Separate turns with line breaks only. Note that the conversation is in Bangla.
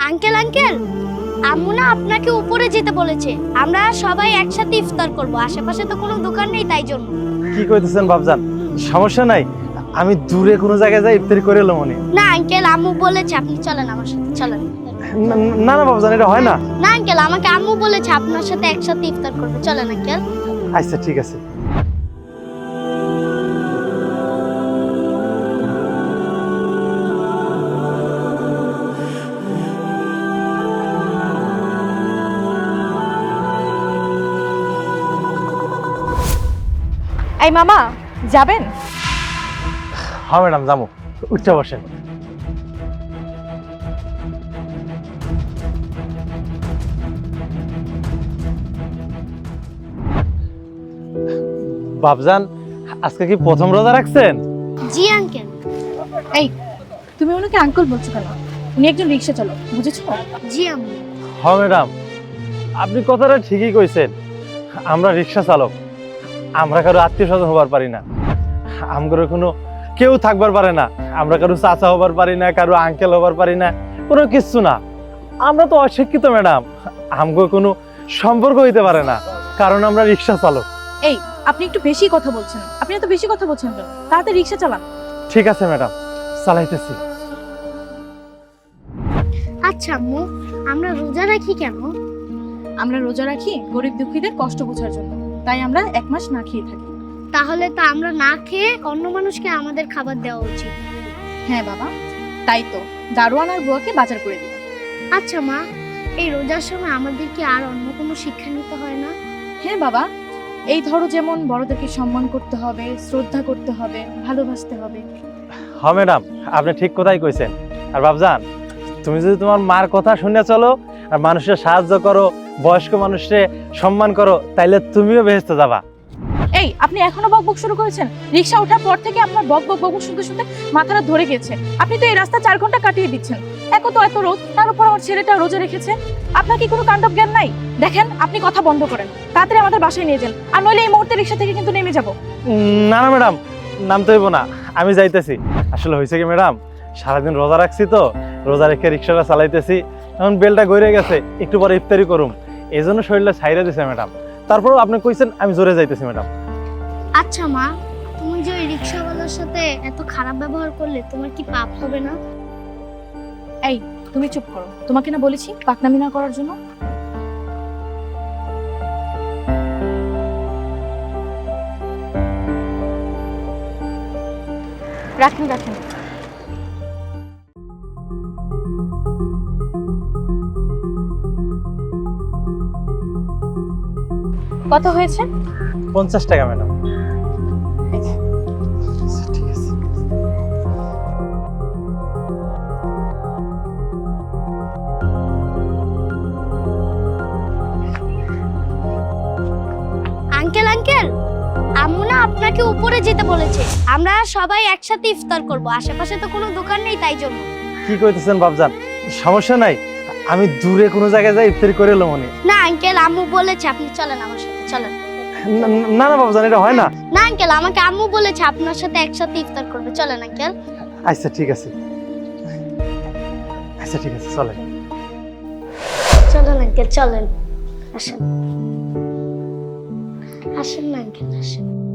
আঙ্কেল আঙ্কেল, আম্মু না আপনাকে উপরে যেতে বলেছে। আমরা সবাই একসাথে ইফতার করব। আশেপাশে তো কোনো দোকান নেই, তাই জন্য।
কি কইতেছেন বাপজান? সমস্যা নাই, আমি দূরে কোনো জায়গায় যাই ইফতারি করে এলো মনে।
না আঙ্কেল, আম্মু বলেছে আপনি চলেন আমার সাথে, চলেন।
না না বাপজান, এটা হয় না।
না আঙ্কেল, আমাকে আম্মু বলেছে আপনার সাথে একসাথে ইফতার করবে, চলেন আঙ্কেল।
আচ্ছা ঠিক আছে।
এই মামা, যাবেন?
হ্যাঁ ম্যাডাম, যাবো। উঠতে বসেন। বাপজান, আজকে কি প্রথম রোজা রাখছেন?
জি আঙ্কেল।
এই, তুমি ওনাকে আঙ্কেল বলছো কেন? উনি একজন রিক্সা চালক, বুঝেছো?
জি আম্মু।
হ্যাঁ ম্যাডাম, আপনি কথাটা ঠিকই কইছেন। আমরা রিক্সা চালক, আমরা কারো আত্মীয় স্বজন হবার পারি না। আমগর কোনো কেউ থাকবার পারে না। আমরা কারো চাচা হবার পারি না, কারো আঙ্কেল হবার পারি না, কোনো কিছু না। আমরা তো অশিক্ষিত ম্যাডাম, আমগো কোনো সম্পর্ক হইতে পারে না, কারণ আমরা রিক্সা চালক।
এই, আপনি একটু বেশি কথা বলছেন। আপনি এত বেশি কথা বলছেন কেন? তাড়াতাড়ি রিক্সা চালান।
ঠিক আছে ম্যাডাম, চালাইতেছি।
আচ্ছা আম্মু, আমরা রোজা রাখি কেন?
আমরা রোজা রাখি গরিব দুঃখীদের কষ্ট বোঝার জন্য, তাই আমরা 1 মাস না খেয়ে থাকি।
তাহলে তো আমরা না খেয়ে অন্য মানুষকে আমাদের খাবার দেওয়া উচিত।
হ্যাঁ বাবা, তাই তো দারোয়ান আর বুয়াকে বাজার করে দিই।
আচ্ছা মা, এই রোজার সময় আমাদের কি আর অন্য কোনো শিক্ষা নিতে হয় না?
হ্যাঁ বাবা, এই ধরো যেমন বড়দেরকে সম্মান করতে হবে, শ্রদ্ধা করতে হবে, ভালোবাসতে হবে।
হ্যাঁ ম্যাডাম, আপনি ঠিক কথাই কইছেন। আর বাপজান, তুমি যদি তোমার মার কথা শুনে চলো আর মানুষের সাহায্য করো, বয়স্ক মানুষকে সম্মান করো, তাইলে তুমিও বেহেশতে যাবা।
এই, আপনি এখনো বকবক শুরু করেছেন? রিক্সা ওঠার পর থেকে আপনার বকবক বকবক শুনতে শুনতে মাথাটা ধরে গেছে। আপনি তো এই রাস্তা 4 ঘন্টা কাটিয়ে দিচ্ছেন। এত রোদ, তার উপর আমার ছেলেটা রোজা রেখেছে। আপনার কি কোনো কাণ্ডব জ্ঞান নাই? দেখেন, আপনি কথা বন্ধ করেন, তাড়াতাড়ি আমাদের বাসায় নিয়ে যান, আর নইলে এই মুহূর্তে রিক্সা থেকে কিন্তু নেমে যাব।
না না ম্যাডাম, নামতে হইব না, আমি যাইতেছি। আসলে হয়েছে কি ম্যাডাম, সারাদিন রোজা রাখছি তো, রোজা রেখে রিক্সাটা চালাইতেছি। এখন বেলটা গড়ে গেছে, একটু পরে ইফতারি করুম, এই জন্য শরীরটা ছাইরা দিছে ম্যাডাম। তারপরেও আপনি কইছেন, আমি জোরে যাইতেছি ম্যাডাম।
আচ্ছা মা, তুমি যে ওই রিক্সাওয়ালার সাথে এত খারাপ ব্যবহার করলে, তোমার কি পাপ হবে না?
এই, তুমি চুপ করো। তোমাকে না বলেছি পাকনামি না করার জন্য? রাখেন রাখেন। কত হয়েছে?
50 টাকা ম্যাডাম। ঠিক আছে।
আঙ্কেল আঙ্কেল, আম্মু না আপনাকে উপরে যেতে বলেছে। আমরা সবাই একসাথে ইফতার করব। আশেপাশে তো কোনো দোকান নেই, তাই জন্য।
কি কইতেছেন বাপজান? সমস্যা নাই, আমি দূরে কোনো জায়গায় যাই ইফতারি করে এলো মনে।
না আঙ্কেল, আম্মু বলেছে আপনি চলেন আমার সাথে, চলেন।
না না বাপজান, এটা হয় না।
না আঙ্কেল, আমাকে আম্মু বলেছে আপনার সাথে একসাথে ইফতার করবে, চলেন আঙ্কেল।
আচ্ছা ঠিক আছে, আচ্ছা ঠিক আছে, চলেন।
চলেন আঙ্কেল, চলেন। আসেন আসেন না আঙ্কেল, আসেন।